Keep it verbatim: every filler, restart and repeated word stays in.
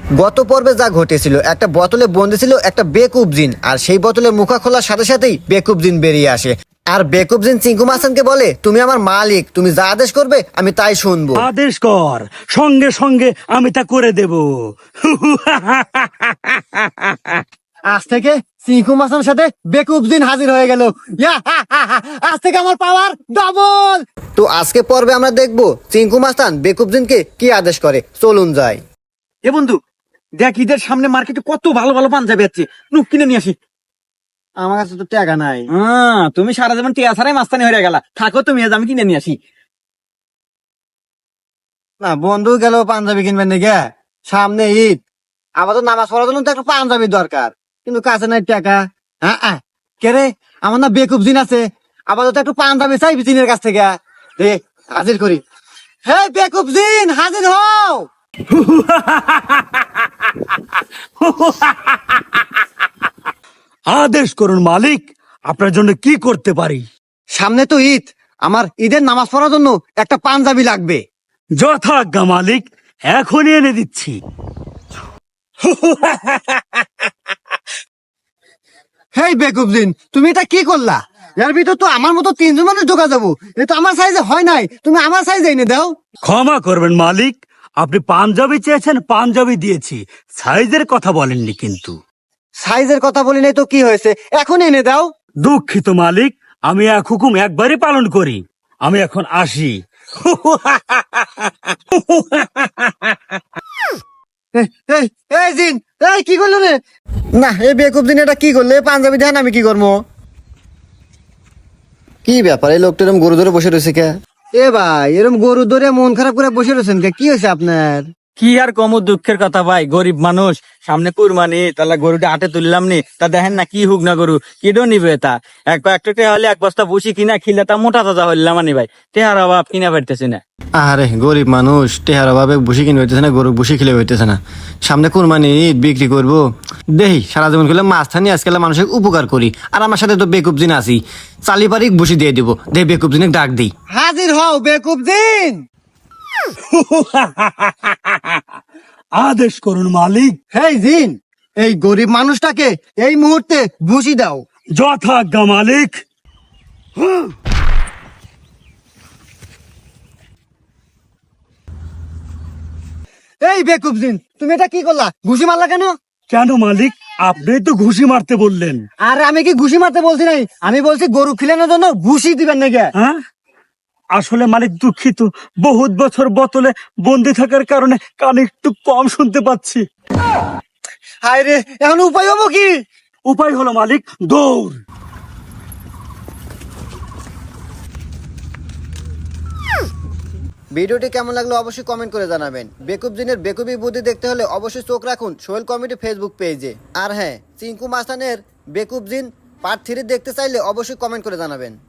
গত পর্বে যা ঘটেছিল, একটা বোতলে বন্দি ছিল একটা বেকুব জিন, আর সেই বোতলের মুখা খোলার সাথে সাথেই বেকুব জিন বেরিয়ে আসে। আর বেকুব জিন চিঙ্কু মাস্তানকে বলে, তুমি আমার মালিক, তুমি যা আদেশ করবে আমি তাই শুনবো। আদেশ কর, সঙ্গে সঙ্গে আমি তা করে দেব। আজ থেকে চিঙ্কু মাস্তানের সাথে বেকুব জিন হাজির হয়ে গেল। আজ থেকে আমার পাওয়ার ডবল। তো আজকে পর্বে আমরা দেখবো চিঙ্কু মাস্তান বেকুব জিনকে কি আদেশ করে। চলুন যাই। এ বন্ধু, দেখ ঈদের সামনে মার্কেটে কত ভালো ভালো পাঞ্জাবি আছে, নুক কিনে নিয়ে আসি। আমার কাছে তো টাকা নাই। হ্যাঁ, তুমি সারা জীবন টিয়া ছাড়াই মাস্তানি হয়ে গেলা, থাকো তুমি, আজ আমি কিনে নিয়ে আসি। না, বন্ধু গেল পাঞ্জাবি কিনবেন নাকি? সামনে ঈদ, আবার তো নামাজ পড়ার জন্য তো একটা পাঞ্জাবি দরকার, কিন্তু কাছে নাই টাকা। হ্যাঁ কে রে, আমার না বেকুব জিন আছে, আপাতত একটু পাঞ্জাবি চাই জিনের কাছ থেকে। দে, হাজির করি। হে বেকুব জিন, হাজির হও। আদেশ করুন মালিক, আপনার জন্য কি করতে পারি? সামনে তো ঈদ, আমার ঈদের নামাজ পড়ার জন্য একটা পাঞ্জাবি লাগবে। যথাজ্ঞা মালিক, এখনই এনে দিচ্ছি। হেই বেকুব জিন, তুমি এটা কি করলা? এর ভিতর তো আমার মতো তিনজন মানুষ ঢোকা যাবো, এটা আমার সাইজে হয় নাই, তুমি আমার সাইজে এনে দাও। ক্ষমা করবেন মালিক, আপনি পাঞ্জাবি চেয়েছেন, পাঞ্জাবি দিয়েছি, সাইজের কথা বলেননি কিন্তু। সাইজের কথা বলি নাই তো কি হয়েছে, এখন এনে দাও। দুঃখিত মালিক, আমি এক হুকুম একবারই পালন করি, আমি এখন আসি। এই, এই, এই জিন, এই কি করলো রে? না, এই বেকুব জিন এটা কি করলে? পাঞ্জাবি দেন, আমি কি করবো? কি ব্যাপার, এই লোকটা এরকম গরু ধরে বসে রয়েছে কে? এ ভাই, এরকম গরু ধরে মন খারাপ করে বসে রয়েছেন কে? কি হয়েছে আপনার? কি আর কম দুঃখের কথা ভাই, গরিব মানুষ, সামনে কুরবানি, তাহলে গরুটা হাটে তুললাম নি, তা দেখেন না কি হুক না গরু, কিডো নিবে তা। এক একটা টেহা হলে এক বস্তা বসি কিনা খিলে তা মোটা তাজা হইলাম আনি ভাই, টেহার অভাব কিনা পারতেছি না। আরে গরিব মানুষ, টেহার অভাবে বসে কিনে হইতেছে না, গরু বসে খেলে হইতেছে না। সামনে কুরবানি ঈদ, বিক্রি করবো দেহি, সারা জীবন করলে মাছ থানি, আজকাল মানুষের উপকার করি। আর আমার সাথে তো বেকুব জিন আছি, চালি পারি বসে দিয়ে দিব। দে বেকুব জিনে ডাক দিই। হাজির হও বেকুব জিন। আদেশ করুন মালিক। হেই জিন, এই গরিব মানুষটাকে এই মুহূর্তে ভুসি দাও। যথাজ্ঞা মালিক। এই বেকুব জিন, তুমি এটা কি করলা? ঘুষি মারলা কেন? কেন মালিক, আপনি তো ঘুষি মারতে বললেন। আরে আমি কি ঘুষি মারতে বলছি নাই, আমি বলছি গরু খিলানোর জন্য ভুসি দিবেন নাকি? হ্যাঁ, আসলে মালিক দুঃখিত, বহুত বছর বোতলে বন্দি থাকার কারণে কানে একটু কম শুনতে পাচ্ছি। হায় রে, এখন উপায় হবো কি? উপায় হলো মালিক, দৌড়। ভিডিওটি কেমন লাগলো অবশ্যই কমেন্ট করে জানাবেন। বেকুব জিনের বেকুবি বুদ্ধি দেখতে হলে অবশ্যই চোখ রাখুন সোহেল কমেডি ফেসবুক পেজে। আর হ্যাঁ, চিঙ্কু মাস্তানের বেকুব জিন পার্ট থ্রি দেখতে চাইলে অবশ্যই কমেন্ট করে জানাবেন।